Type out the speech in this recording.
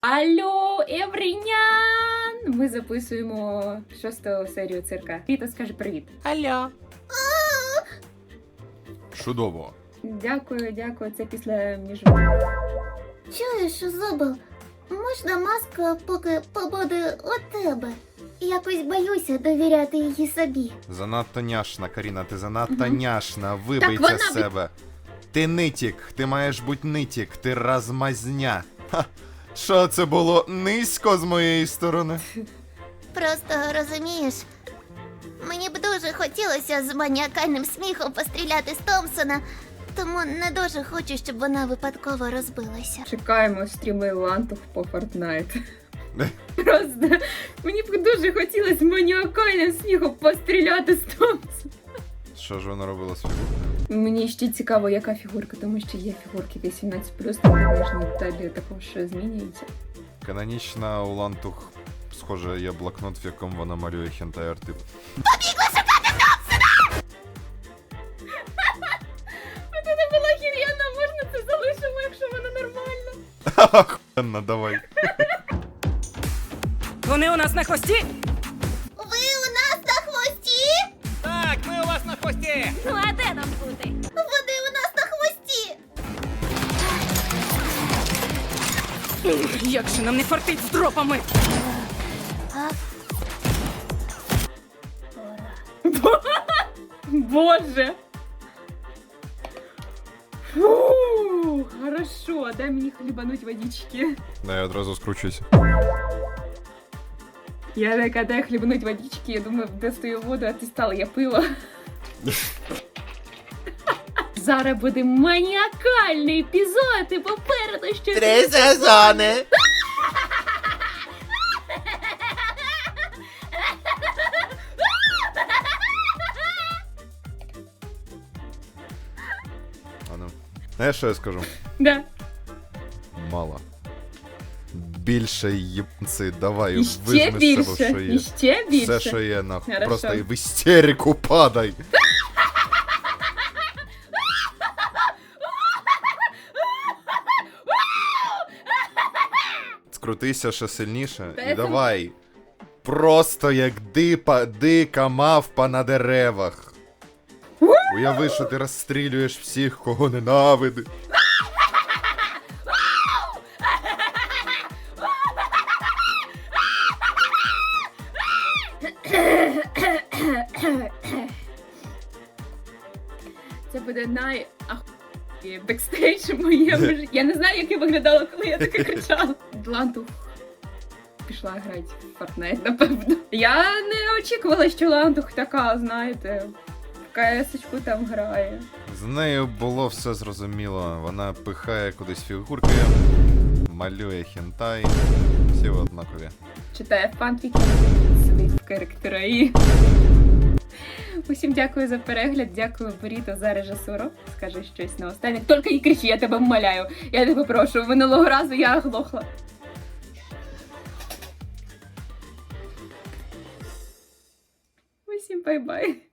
Алло, Еврінян! Ми записуємо 6-ту серію цирка. Віта, скажи привіт. Алло. Чудово. Дякую, це після Чуєш, Зубл, можна маска поки побуде у тебе? Якось боюся довіряти її собі. Занадто няшна, Каріна, ти занадто няшна. Вибий Так це вона з себе. Ти нитік, ти маєш бути нитік, ти размазня. Ха. Що це було низько з моєї сторони? Просто розумієш, мені б дуже хотілося з маніакальним сміхом постріляти з Томпсона, тому не дуже хочу, щоб вона випадково розбилася. Чекаємо стріми Лантух по Fortnite. Просто мені б дуже хотілося маніакальним сміхом постріляти з Томпсона. Що ж вона робила з фігуркою? Мені ще цікаво, яка фігурка, тому що є фігурки 18+, там нижні деталі також змінюються. Канонічна у Лантух, схоже, є блокнот, в якому вона малює хентай-арти. Це не була хір'яна, можна це залишимо, якщо вона нормальна. Охуєнно, давай. Вони у нас на хвості? Ви у нас на хвості? Так, ми у вас на хвості. Ну а де нам бути? Вони у нас на хвості! Як же нам не фартить з дропами? Боже! Фу, хорошо, дай мені хлібануть водички. Да, я одразу скручуюся. Я така, дай хлібануть водички, я думаю, достаю воду, а ти стала, я пила. Зараз буде маніакальний епізод, і попереду ще... 3 сезони. А ну. Знаєш, що я скажу? Да. Мало. Більше їбанці, давай, І ще визьми з себе, що більше, є. і ще більше. Все, що є, нахуй. Хорошо. Просто в істерику падай. Скрутися ще сильніше Та і це- давай. Просто як дика мавпа на деревах. Уяви, що ти розстрілюєш всіх, кого ненавидиш. Це буде бекстейдж в моєму житті. Я не знаю, як я виглядала, коли я таке кричала. Лантух пішла грати в Fortnite, напевно. Я не очікувала, що Лантух така, знаєте, в КС-очку там грає. З нею було все зрозуміло. Вона пихає кудись фігурки, малює хентай. Всі однакові. Читає фанфіки, сидить в характери. Усім дякую за перегляд, дякую Боріто за режисуру. Скажи щось на останнє. Тільки не кричи, я тебе вмоляю. Я тебе прошу, минулого разу я оглохла. Усім бай-бай.